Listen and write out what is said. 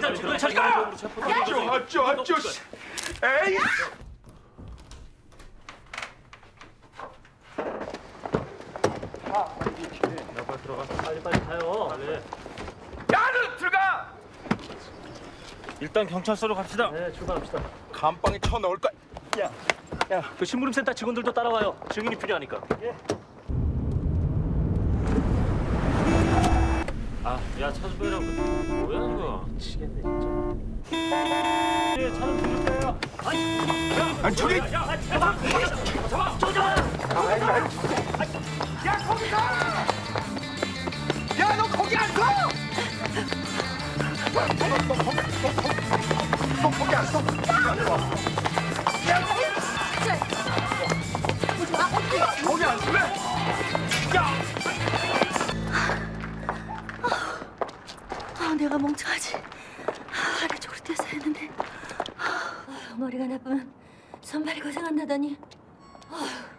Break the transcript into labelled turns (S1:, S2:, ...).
S1: 일단 주변 차리가.
S2: 어쩌 에이.
S1: 빨리 가요. 네.
S2: 야는 들어가.
S1: 일단 경찰서로 갑시다.
S3: 네, 출발합시다.
S2: 감방에 쳐 넣을 거야.
S3: 그 심부름센터 직원들도 따라와요. 증인이 필요하니까.
S1: 아, 야 차주배랑 뭐야 이거?
S3: 미치겠네 진짜.
S1: 예, 차좀 빌릴 거예요.
S2: 아니 저기.
S1: 야, 잡아!
S2: 야 거기 가. 야 너 거기 안 서. 너 거기 안 서. 야 거기 안 서래.
S4: 내가 멍청하지. 아래쪽으로 떼서 했는데. 머리가 나쁘면 손발이 고생한다더니.